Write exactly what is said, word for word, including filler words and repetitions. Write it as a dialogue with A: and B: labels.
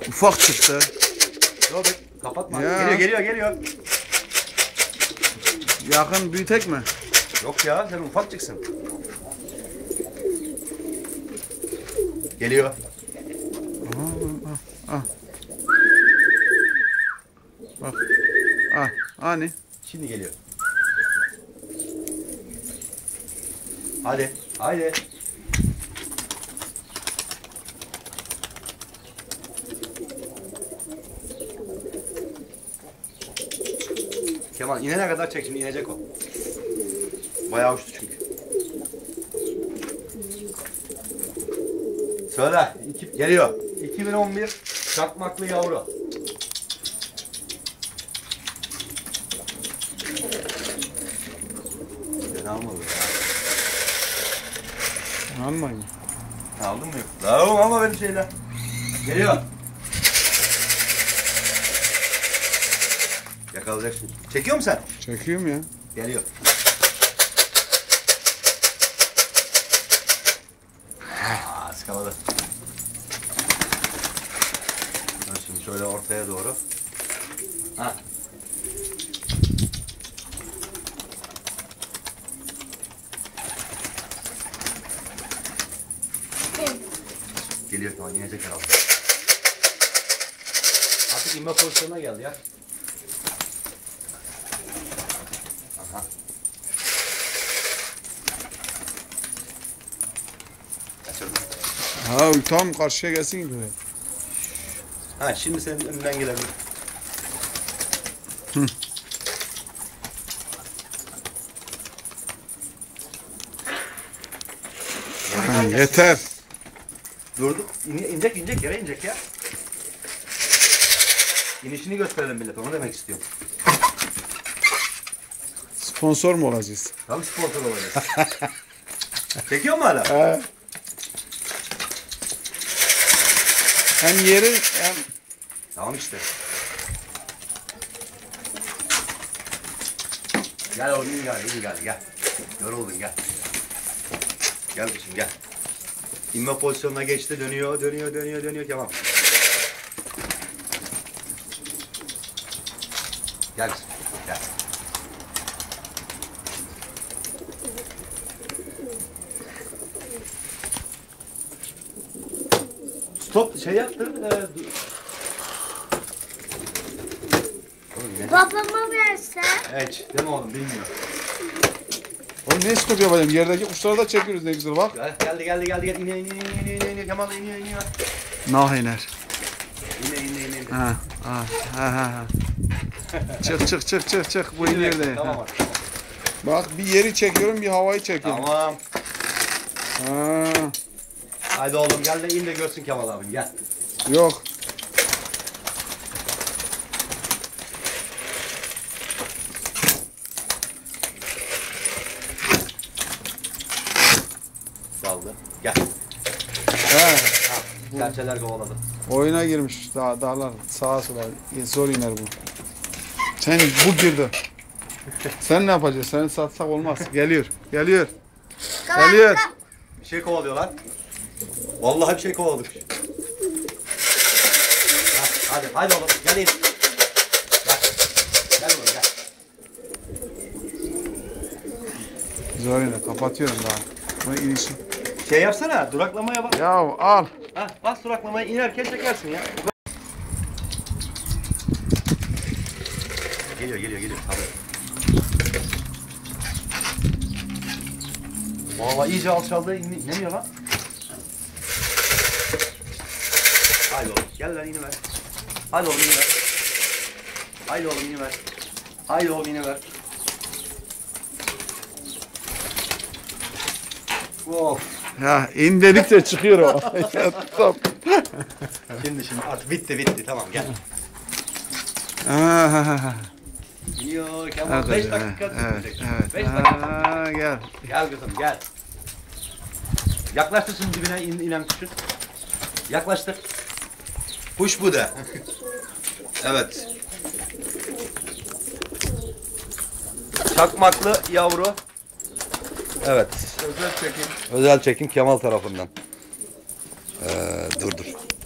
A: Ufak çıktı.
B: Yok be, kapatma.
A: Ya.
B: Geliyor geliyor geliyor.
A: Yakın büyütek mi?
B: Yok ya, sen ufak çıksın. Geliyor.
A: Aa, ah. Bak. Ah, hani?
B: Şimdi geliyor. Hadi, hadi. Kemal inene kadar çek, şimdi inecek o. Bayağı uçtu çünkü. Söyle, iki, geliyor. iki bin on bir çakmaklı yavru. Ne almadı ya?
A: Almayın.
B: Aldın mı? Tamam ama benim şeyler. Geliyor. Yakalayacaksın. Çekiyor musun sen?
A: Çekiyorum ya.
B: Geliyor. Aa, ıskaladı. Şimdi şöyle ortaya doğru. Ha. Geliyor, tamam, inecek herhalde. Artık inme pozisyonuna geldi ya. Aha. Kaçırdım.
A: Ha tam karşıya gelsin gibi.
B: Ha, şimdi senin önünden gelebilir.
A: Hı. Ha, yeter.
B: Durdu. İn, inecek inecek yere inecek ya. İnişini gösterelim millet, onu demek istiyorum.
A: Sponsor mu olacağız?
B: Tam sponsor olacağız. Çekiyor mu hala?
A: He. Hem yeri hem...
B: Tamam işte. Gel oğlum, iyi gel, iyi gel, gel. Yoruldun, gel. Gel kızım, gel. İnme pozisyonuna geçti, dönüyor, dönüyor, dönüyor, dönüyor, tamam. Gel kızım, gel. Stop, şey yaptın. E,
C: Babama versen.
B: evet, değil mi oğlum, bilmiyor.
A: Oğlum ne skop yapacağım? Yerdeki kuşları da çekiyoruz ne güzel bak.
B: Gel, geldi, geldi, geldi, geldi. İniyor, iniyor, iniyor, iniyor, iniyor, Kemal iniyor, iniyor.
A: Nah iner.
B: İniyor, iniyor, iniyor.
A: Ha, ha, ha, ha. Çık çık çık çık çık bu
B: Şimdi
A: iner de.
B: tamam
A: Ha.
B: abi, tamam.
A: Bak bir yeri çekiyorum bir havayı çekiyorum.
B: Tamam.
A: Ha,
B: Haydi oğlum gel de in de görsün Kemal abin, gel.
A: yok.
B: Daldı. Gel.
A: Ha,
B: Serçeler kovaladı.
A: oyuna girmiş dağ, dağlar sağa sola zor iner bu. Sen bu girdi. Sen ne yapacaksın? Seni satsak olmaz. Geliyor. Geliyor. Geliyor.
B: Bir şey kovalıyorlar. Vallahi bir şey kovaladık. Ha, hadi, hadi oğlum gel in. Gel. Gel oğlum gel.
A: Zor iner. Kapatıyorum daha. Bu inişi.
B: Şey yapsana, duraklamaya bak.
A: Ya al.
B: Ha, bas duraklamaya, inerken çekersin ya. Geliyor, geliyor, geliyor. Tabii. Vallahi iyice alçaldı, in- inemiyor lan. Haydi oğlum, gel lan iniver. Haydi oğlum iniver. Haydi oğlum iniver. Haydi oğlum iniver. Of.
A: Ya in dedikçe çıkıyor o. Ya, stop.
B: Şimdi şimdi artık bitti bitti, tamam gel.
A: Aha.
B: İniyor Kemal,
A: Evet,
B: beş
A: evet,
B: dakika
A: evet,
B: tutacak.
A: evet.
B: beş dakika.
A: Aa, gel.
B: Gel kızım gel. Yaklaştır şimdi dibine in, inen kuşun. Yaklaştır. Kuş bu da. Evet. Çakmaklı yavru. Evet.
A: Özel çekim.
B: Özel çekim Kemal tarafından. Ee, dur dur.